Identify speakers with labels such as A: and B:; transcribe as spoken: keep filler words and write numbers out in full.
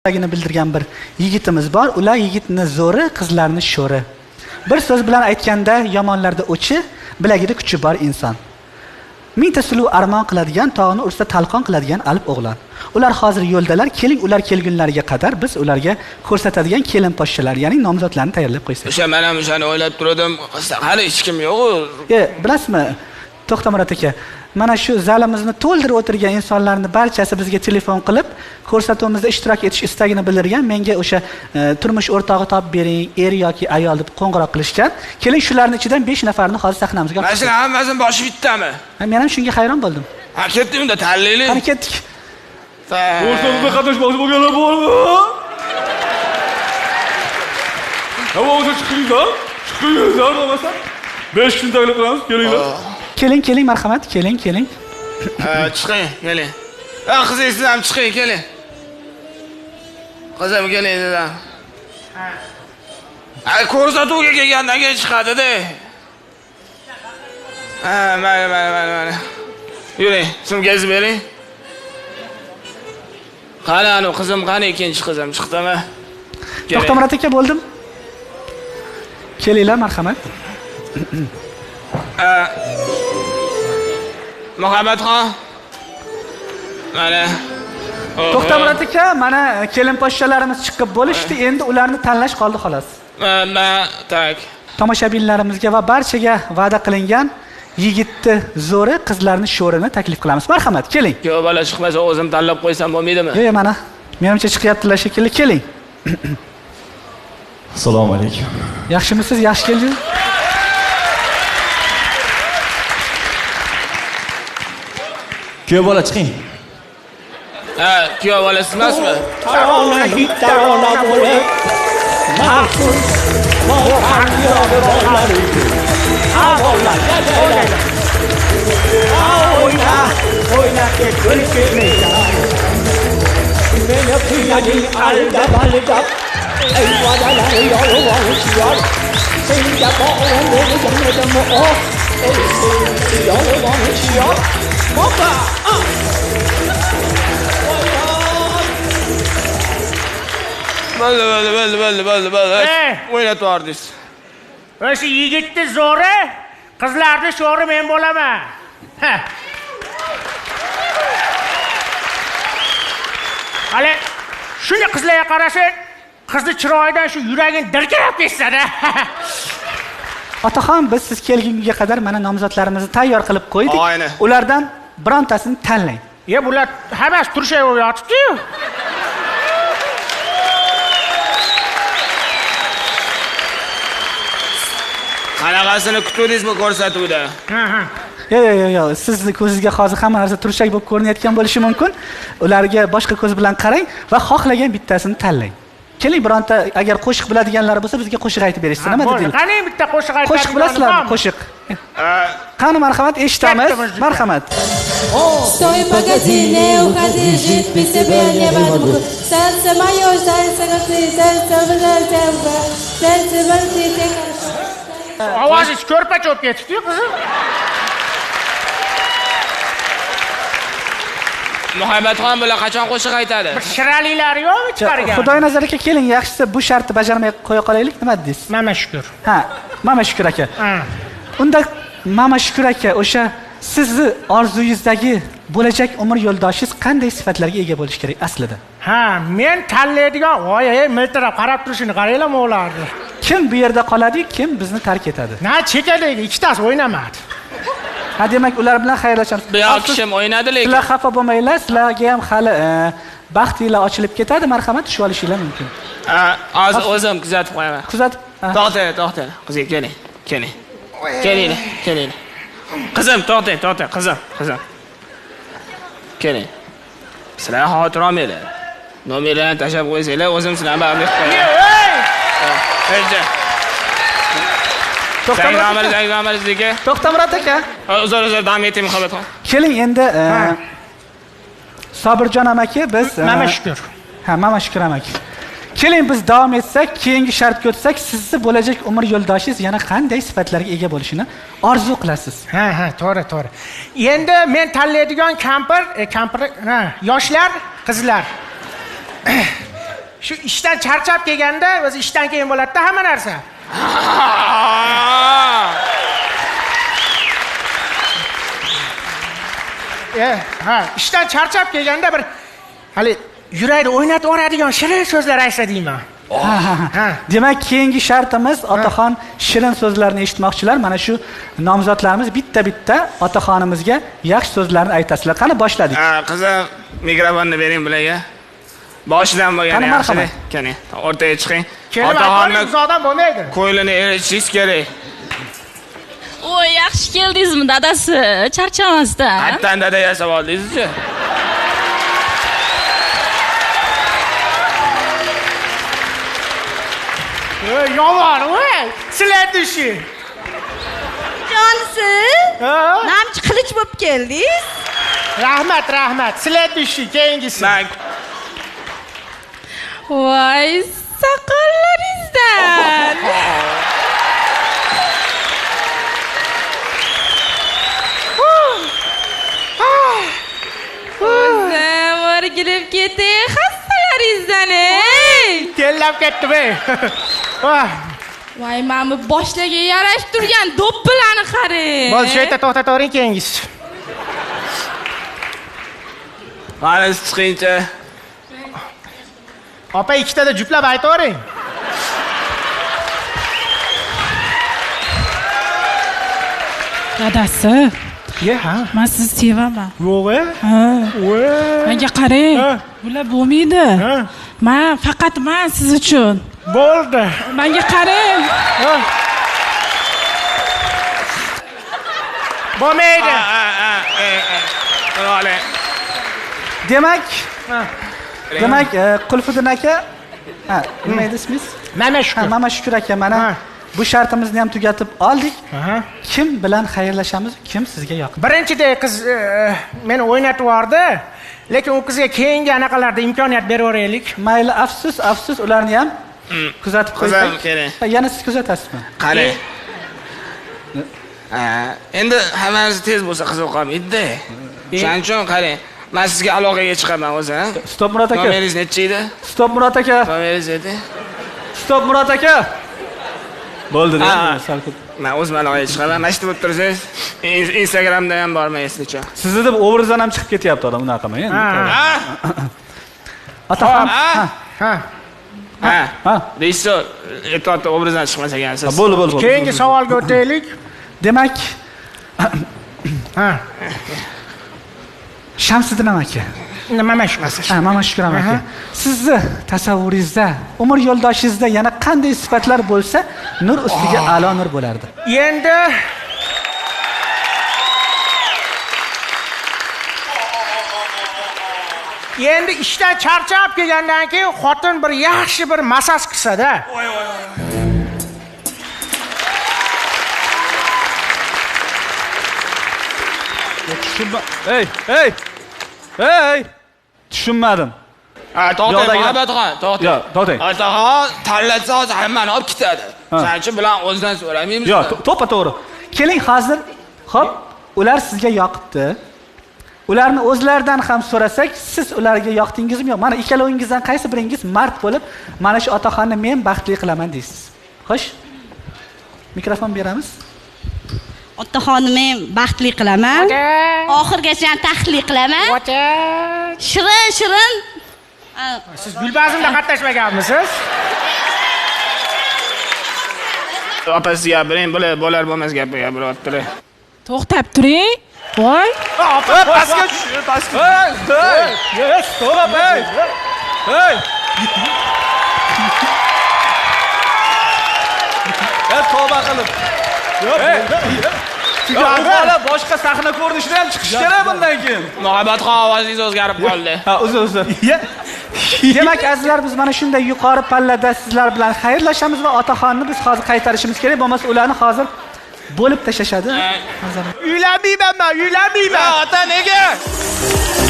A: bildirgan bir yigitimiz bor. Ular yigitni zo'ri, qizlarni sho'ri. Bir so'z bilan aytganda, yomonlarda o'chi, bilagida kuchi bor inson. Mingta suluv armon qiladigan, tog'ni ursa talqon qiladigan alp o'g'lon. Ular hozir yo'ldalar, keling ular kelgunlariga qadar biz ularga ko'rsatadigan kelin poshshalar, ya'ni nomzodlarni tayyorlab qo'ysak.
B: O'sha men ham o'shani o'ylab turdim. Hali hech kim yo'q.
A: E, bilasizmi, To'xtamurod aka, mana shu zalimizni to'ldirib o'tirgan insonlarning barchasi bizga telefon qilib, ko'rsatuvimizda ishtirok etish istagini bildirgan. Menga o'sha e, turmush o'rtog'i topib bering, er yoki ayol deb qo'ng'iroq qilishgan. Keling shularning ichidan besh nafarni hozir sahnamizga olib
B: chiqamiz. Mana hammasining boshi bittami?
A: Ha, men ham shunga hayron bo'ldim.
B: Ha, ketdik unda tanlaylik.
A: Qani ketdik.
C: O'rtamizda qatnashmoqchi bo'lganlar bormi? Ha, o'zi chiqinglar. Chiqinglar bo'lmasa besh kun taklif qilamiz, kelinglar.
A: Keling, keling, marhamat, keling, keling.
B: Ha, chiqing, keling. Ha, qizingiz siz ham chiqing, keling. Qizim keling dedim. Ha. Ay, ko'rsatuvga kelgandan keyin chiqadi-da. Ha, mayli, mayli, mayli, mayli. Yuring, sumkangizni bering. Qani, anu qizim qani, ikkinchi qizim chiqdimi?
A: To'xtamurod aka, bo'ldim. Kelinglar, marhamat.
B: Muhammadxon. Mana.
A: To'xtamurod aka, mana kelin poshshalarimiz chiqib bo'lishdi, endi ularni tanlash qoldi xolos.
B: Mana, tak.
A: Tomoshabinlarimizga va barchaga va'da qilingan yigitni zo'ri, qizlarni sho'rini taklif qilamiz. Marhamat, keling.
B: Yo'q, bola chiqmasa o'zim tanlab qo'ysam bo'lmaydimi?
A: Yo'q, mana. Menimcha chiqyaptilar shekilli, keling.
C: Assalomu alaykum.
A: Yaxshimisiz? Yaxshi keldingiz?
C: Kuyov bola chiqing.
B: Ha, kuyov bolasi emasmi?
D: Tarona hit tarona bo'lib, mahsul bo'lgan yo'llar edi. Avollar yadaylar. Oyna, oyna ketgul ketmaydi. Meni qiynading aldab aldab, ey vadalar yolg'onchilar. Senga bog'lan bo'lgandim o, ey yolg'onchilar. Baba!
B: Bo'ldi, bo'ldi, bo'ldi, bo'ldi, bo'ldi, bo'ldi. O'ynatib yubordingiz.
D: O'sha yigitni zo'ri, qizlarni sho'ri men bo'laman. Hali shuni qizlarga qarasang, qizni chiroyidan shu yuraging dirkirab ketsa-da.
A: Otaxon, biz siz kelgunga qadar mana nomzodlarimizni tayyor qilib qo'ydik.
B: Ayni.
A: Ulardan birontasini tanlang.
D: Ya bular hammasi turishib yotibdi-yu.
B: Qanaqasini kutdingizmi ko'rsatuvda?
D: Ha, ha.
A: Yo'q, yo'q, yo'q. Sizni ko'zingizga hozir hamma narsa turshak bo'lib ko'rinayotgan bo'lishi mumkin. Ularga boshqa ko'z bilan qarang va xohlagan bittasini tanlang. Keling, bironta agar qo'shiq biladiganlar bo'lsa, bizga qo'shiq aytib berishsin. Nima dedingiz?
D: Qani bitta qo'shiq aytib.
A: Qo'shiq bilasizlarmi? Qo'shiq. Qani, marhamat, eshitamiz. Marhamat.
E: Стой, погоди, не уходи, жить без тебя невозможно. Сердце мое, сердце готы, сердце сердце, сердце вертите хорошо.
D: Ovozingiz ko'rpa cho'p ketibdi-yu, qizim.
B: Muhammadxon bular qachon qo'shiq aytadi?
D: Bir shiraliklari yo'qmi chiqargan?
A: Xudoy nazariga keling, yaxshisi bu shartni bajarmay qo'ya qolaylik, nima dedingiz?
D: Mana shukr.
A: Ha, Mama Shukur aka. Unda Mama Shukur aka, o'sha sizni orzungizdagi bo'lajak umr yo'ldoshingiz qanday sifatlarga ega bo'lishi kerak aslida?
D: Ha, men tanlaydigan, voy, miltirab qarab turishini qaranglar o'g'larni.
A: Kim bu yerda qoladi, kim bizni tark etadi?
D: Na, chekadagi ikkitasi o'ynamadi.
A: Ha, demak ular bilan xayrlashamiz.
B: Bu yoq kishim o'ynadi lekin.
A: Sizlar xafa bo'lmanglar, sizlarga ham hali baxtinglar ochilib ketadi, marhamat tushib olishinglar mumkin.
B: Ha, hozir o'zim kuzatib qo'yaman.
A: Kuzatib.
B: To'xtang, to'xtang. Qizim, keling, keling. Keling, keling. Qizim, to'xtang, to'xtang, qizim, qizim. Keling. Sizlar xotir olmanglar. Nomerlarni tashlab qo'ysanglar, o'zim sizlarni baribir qo'yaman. Ey! To'xtamurod aka.
A: To'xtamurod aka.
B: Uzr, uzr, davom eting Muhammadxon.
A: Keling endi Sobirjon amaki biz
D: Mama Shukur.
A: Ha, Mama Shukur amaki. Keling biz davom etsak, keyingi shartga o'tsak, sizni bo'lajak umr yo'ldoshingiz yana qanday sifatlarga ega bo'lishini orzu qilasiz?
D: Ha, ha, to'g'ri, to'g'ri. Endi men tanlaydigan kampir, kampir, ha, yoshlar, qizlar. shu ishdan charchab kelganda, o'zi ishdan keyin bo'ladi-da hamma narsa. E, ha, ishdan charchab kelganda bir hali yurakni o'ynatib yuboradigan shirin so'zlar aytsa deyman.
A: Ha, ha, ha. Demak, keyingi shartimiz otaxon shirin so'zlarni eshitmoqchilar. Mana shu nomzodlarimiz bitta-bitta otaxonimizga yaxshi so'zlarni aytasizlar. Qani boshladik.
B: Ha, qizim, mikrofonni bering bularga. Boshidan bo'lgan yaxshi. Qani, o'rtaga chiqing.
D: Otaxonni uzoqdan bo'lmaydi.
B: Ko'ylini eritishingiz kerak.
F: Voy, yaxshi keldingizmi dadasi? Charchamasdan.
B: Hattan dada yasab oldingiz-chi?
D: Ey, yomon, voy. Sizlar dushi.
E: Jonsi, namchi qilich bo'lib keldingiz.
D: Rahmat, rahmat. Sizlar dushi, keyingisi.
B: Men
F: Voy, soqollaringizdan. O'zim o'rgilib ketay xastalaringizdan, ey.
D: Tellab ketdim, ey.
F: Voy, mana bu boshlaga yarashib turgan do'ppilarni qarang.
D: Bo'l, shu yerda to'xtatavering keyingisi.
B: Mana chiqingchi.
D: Opa ikkitada juplab aytavering.
G: Dadasi,
D: Ye, ha.
G: men sizni sevaman.
D: Yo'q,
G: Ha.
D: voy.
G: Menga qarang.
D: Ha.
G: Bular bo'lmaydi.
D: Ha.
G: Men faqat men siz uchun.
D: Bo'ldi.
G: Menga qarang.
D: Bo'lmaydi.
B: Ha, ha, ha. Ole.
A: Demak, demak, Qulfiddin aka, ha, nima edi ismingiz?
D: Mana
A: Ha,
D: shu.
A: Mama Shukur aka, mana
D: Ha.
A: bu shartimizni ham tugatib oldik.
D: Aha.
A: Kim bilan xayrlashamiz? Kim sizga yoqdi?
D: Birinchidek qiz e, meni o'ynatib yubordi, lekin u qizga keyingi anaqalarda imkoniyat beraveraylik.
A: Mayli, afsus, afsus, ularni ham kuzatib
B: Qizim,
A: qo'ysak.
B: keling.
A: Ha, yana siz kuzatasizmi?
B: Qarang. Ha, endi hammasi tez bo'lsa qiziq qolmaydi-da. Shuning uchun qarang. Men sizga aloqaga chiqaman o'zi, ha?
A: Stop Murod aka.
B: Nomeringiz necha edi?
A: Stop Murod aka.
B: Nomeringiz ayting.
A: Stop Murod aka. Bo'ldi-da.
B: Ha.
A: sal kut-
B: Men o'zim aloqaga chiqaman. Mana shu bo'lib tursangiz, In- Instagramda ham bormaysizcha.
A: Sizni deb obrazdan ham chiqib ketyapti odam, unaqa qilmang endi.
B: Ha?
A: Otaxon.
B: Ha?
D: Ha.
B: Ha.
A: Ha.
B: Rejissor, e'tiborda obrazdan chiqmas ekansiz.
A: Bo'ldi, bo'ldi, bo'ldi.
D: Keyingi savolga o'taylik.
A: Demak,
D: Ha.
A: Shamsiddin aka.
D: Nima shu?
A: Ha, Mama Shukur aka. Sizni tasavvuringizda, umr yo'ldoshingizda yana qanday sifatlar bo'lsa, nur ustiga a'lo nur bo'lardi?
D: Endi Endi ishdan charchab kelgandan keyin xotin bir yaxshi bir massaj qilsa-da.
A: Tushunma. Ey, ey. Ey! Tushunmadim.
B: Ha, to'xtang,
A: Yo'ldagi-
B: Muhabbatxon, to'xtang.
A: Yo'q, to'xtang.
B: Otaxon tanlatsa hozir hammani olib ketadi. Shuning uchun bilan o'zidan so'ramaymiz.
A: Yo'q, to'ppa to'g'ri. Keling hozir, xo'p, ular sizga yoqibdi. Ularni o'zlaridan ham so'rasak, siz ularga yoqdingizmi yo'q? Mana ikkalovingizdan qaysi biringiz mard bo'lib, mana shu otaxonni men baxtli qilaman deysiz. Xo'sh? Mikrofon beramiz.
E: Otaxonni men baxtli qilaman. Oxirgacha tahlil qilaman.
D: Ota.
E: Shirin, shirin.
D: Siz Gulbazmda qatnashmaganmisiz?
B: Opasi gapiring, bular bo'lar bo'lmas gap gapiryaptilar.
G: To'xtab turing. Voy.
B: Opa, pastga tush, pastga.
A: Hey! Hey! Stop, hey! Hey! Hey, tavba qilib. Hey! Bola boshqa sahna ko'rinishida ham chiqish kerak bundan keyin.
B: Muhabbatxon ovozingiz o'zgarib qoldi.
A: Ha, uzr, uzr. Demak, azizlar, biz mana shunday yuqori pallada sizlar bilan xayrlashamiz va otaxonni biz hozir qaytarishimiz kerak, bo'lmasa ularni hozir bo'lib tashlashadi.
D: Uylanmayman men, uylanmayman.
B: Ota nega?